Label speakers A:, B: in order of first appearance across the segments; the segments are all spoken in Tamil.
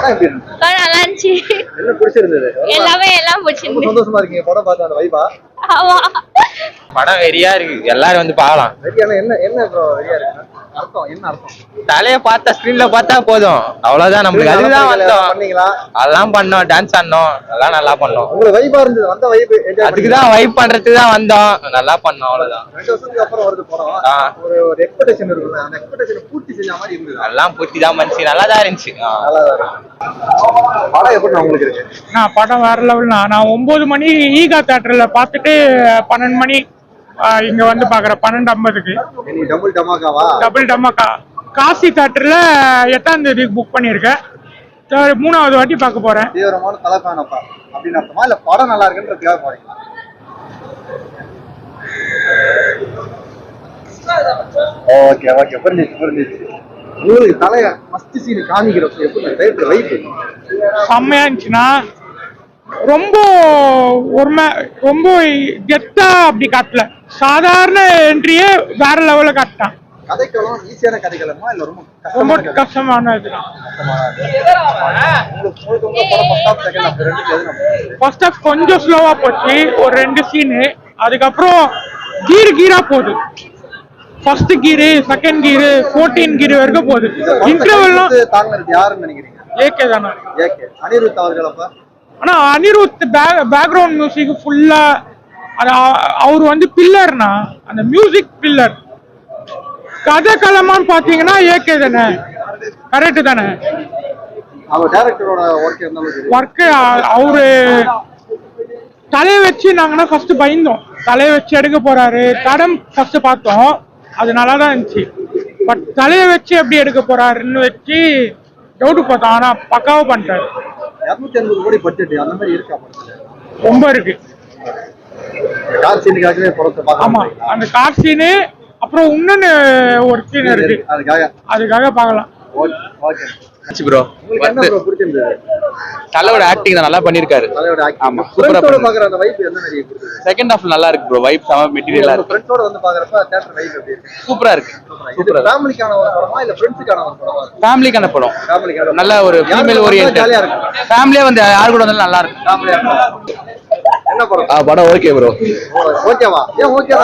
A: படம் எப்படி இருந்துச்சு?
B: நல்லா இருந்துச்சு.
A: என்ன பிடிச்சிருந்தது?
B: எல்லாம் பிடிச்சிருந்தது.
A: சந்தோஷமா இருக்கீங்க படம் பார்த்த அந்த வைபா?
B: ஆமா.
C: படம் வெறியா இருக்கு, எல்லாரும் வந்து பார்க்கலாம்.
A: வெறியான என்ன என்ன ப்ரோ வெறியா இருக்கு? அர்த்தம் என்ன அர்த்தம்?
C: தலைய பார்த்தா ஸ்கிரீன்ல பார்த்தா போதும், அவ்வளவுதான். நம்மளுக்கு அதுதான் வந்தோம்.
A: பண்ணீங்களா?
C: அதெல்லாம் பண்ணோம், டான்ஸ் ஆடணும், எல்லாம் நல்லா பண்ணோம்.
A: உங்களுக்கு வைபா இருந்தது, வந்த வைப் என்ஜாய்
C: அதுக்குதான் வைப் பண்றதுக்கு தான் வந்தோம், நல்லா பண்ணோம், அவ்வளவுதான்.
A: 2 வருஷத்துக்கு அப்புறம் வருது படம். ஒரு எக்ஸ்பெக்டேஷன் இருக்குல்ல, அந்த எக்ஸ்பெக்டேஷன் பூர்த்தி செஞ்ச மாதிரி இருந்தது.
C: எல்லாம் பூர்த்தி தான் பண்ணிச்சு, நல்லா தான் இருந்துச்சு.
A: படம் எப்படி உங்களுக்கு இருக்கு?
D: படம் வேற லெவல்னா. நான் 9 மணி ஈகா தியேட்டர்ல பார்த்துட்டு 12 மணி இங்க வந்து பாக்குறேன். 12:50க்கு டபுள் டமாக்கா காசி தியேட்டர்ல 8ஆம் தேதி புக் பண்ணிருக்கேன். 3வது வாட்டி பார்க்க போறேன்.
A: தீவிரமான தலைப்பானப்பா அப்படின்னு அர்த்தமா இல்ல படம் நல்லா இருக்குன்றதுக்காக போறீங்களா? ஓகே ஓகே புரிஞ்சிச்சு. உங்களுக்கு தலைய ஃபர்ஸ்ட் சீன் காமிக்கிறப்ப எப்படி வைப்
D: செம்மையா இருந்துச்சுன்னா ரொம்ப ரொம்ப கெத்தா அப்படி காட்டல. சாதாரண என்ட்ரியே வேற லெவல்ல காட்டான்.
A: கதைக்களம் ஈஸியான கதைக்களமா இல்ல
D: ரொம்ப கஷ்டமானது? ஃபர்ஸ்ட் ஹாஃப் கொஞ்சம் ஸ்லோவா போச்சு, ஒரு 2 சீனு. அதுக்கப்புறம் கீரா போகுது. ஃபர்ஸ்ட் கீரு, செகண்ட் கீரு, 14 கீரு வரைக்கும் போகுது. இன்டர்வெல்லாம்
A: தாங்கிறது யாருன்னு நினைக்கிறீங்க?
D: ஏகே தானே.
A: ஏகே அனிருத் அவர்கள். அப்ப
D: ஆனா அனிருத் பேக்ரவுண்ட் மியூசிக் ஃபுல்லா அவர் வந்து பில்லர்னா, அந்த மியூசிக் பில்லர். கதை களமான்னு பாத்தீங்கன்னா ஏகே தானே, கரெக்ட் தானே.
A: அவர் டைரக்டரோட
D: ஒர்க் அவரு தலையை வச்சு நாங்கன்னா ஃபர்ஸ்ட் பயந்தோம். தலையை வச்சு எடுக்க போறாரு, தடம் ஃபர்ஸ்ட் பார்த்தோம், அது நல்லா தான் இருந்துச்சு. பட் தலையை வச்சு எப்படி எடுக்க போறாருன்னு வச்சு டவுட் பார்த்தோம். ஆனா பக்காவா பண்ணிட்டாரு.
A: 250 கோடி பட்ஜெட் அந்த மாதிரி இருக்கா?
D: ரொம்ப இருக்கு.
A: கார் சீனுக்காகவே படத்தை
D: ஆமா, அந்த கார் சீனு அப்புறம் இன்னொன்னு ஒரு சீன் இருக்கு, அதுக்காக பார்க்கலாம்.
C: ப்ரோ
A: என்ன ப்ரோ பிடிச்சிருந்தது?
C: தலையோட ஆக்டிங் தான் நல்லா பண்ணிருக்காரு. ஆமா, சூப்பரா
A: பாக்குற அந்த வைப் என்ன மாதிரி இருக்கு?
C: செகண்ட் ஹாஃப் நல்லா இருக்கு ப்ரோ, வைப் செம மெட்டீரியலா இருக்கு.
A: ஃப்ரெண்ட்ஸோட வந்து பாக்குறப்ப தியேட்டர் வைப் எப்படி இருக்கு?
C: சூப்பரா இருக்கு.
A: சூப்பரா. ஃபேமிலிக்கான ஒரு படமா இல்ல ஃப்ரெண்ட்ஸ்க்கான ஒரு படமா?
C: ஃபேமிலிக்கான படம்.
A: ஃபேமிலிக்கான
C: நல்ல ஒரு ஃபீமேல் ஓரியன்டட்.
A: ஜாலியா இருக்கு.
C: ஃபேமிலியா வந்து யார் கூட வந்தாலும் நல்லா இருக்கு.
A: ஃபேமிலியா என்ன படம்?
C: படம் ஓகே ப்ரோ.
A: ஓகேவா? ஏன் ஓகேவா?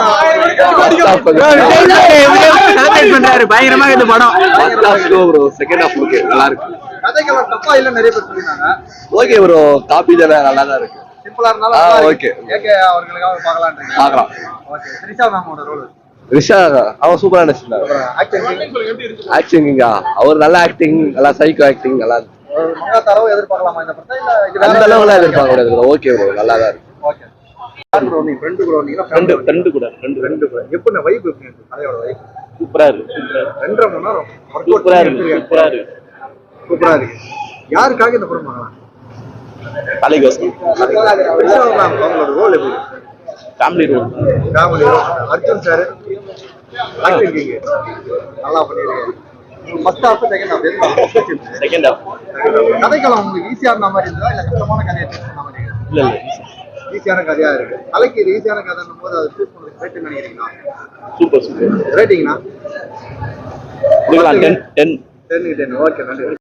C: செலிப்ரேட் பண்றாரு பயங்கரமா இந்த படம்.
A: ப்ரோ செகண்ட் ஹாஃப் ஓகே, நல்லா இருக்கு. கதைக்கெல்லாம் தப்பா இல்ல நிறைய பேர் சொல்லிருக்காங்க.
C: ஓகே ப்ரோ, காப்பி தான, நல்லா தான் இருக்கு.
A: சிம்பிளா இருந்தாலும்
C: ஓகே.
A: ஏகே அவர்களுக்காக பார்க்கலாம்ன்றீங்க.
C: பார்க்கலாம்.
A: ஓகே. த்ரிஷா மேமோட ரோல்.
C: ரிஷா அவன் சூப்பரா நடிச்சிருந்தாரு. ஆக்டிங்கா அவர் நல்ல ஆக்டிங், நல்லா சைக்கோ ஆக்டிங், நல்லா இருக்கு.
A: மங்கா தரவு எதிர்பார்க்கலாமா இந்த படத்தை? இல்ல
C: அந்த அளவுல எதிர்பார்க்க கூடாது. ஓகே ப்ரோ, நல்லா தான் இருக்கு.
A: ஓகே. ப்ரோ நீ ஃப்ரெண்ட் ப்ரோ நீங்க ஃப்ரெண்ட் கூட எப்படி வைப் எப்படி இருக்கு? கதையோட வைப்
C: சூப்பரா இருக்கு.
A: 2.5 மணி நேரம்
C: சூப்பரா இருக்கு.
A: சூப்பரா இருக்கு. யாருக்காக இந்த படம் பார்க்கலாம்?
C: தலைகோசம்.
A: அவங்களோட ரோல் எப்படி?
C: Family role.
A: Arjun sir acting நல்லா பண்ணிருக்கீங்க. First half second half
C: second half
A: கதைக்களம் உங்களுக்கு ஈஸியா இருந்த மாதிரி இருந்தா இல்ல கஷ்டமான கதையா இருந்த மாதிரி?
C: இல்ல
A: ஈஸியான கதையா இருக்கு. கலைக்கு இது ஈஸியான கதைன்னும் போது அதை சூஸ் பண்ணுறது ரேட் நினைக்கிறீங்களா?
C: சூப்பர்.
A: ரேட்டிங்னா
C: 10
A: 10 ஓகே நன்றி.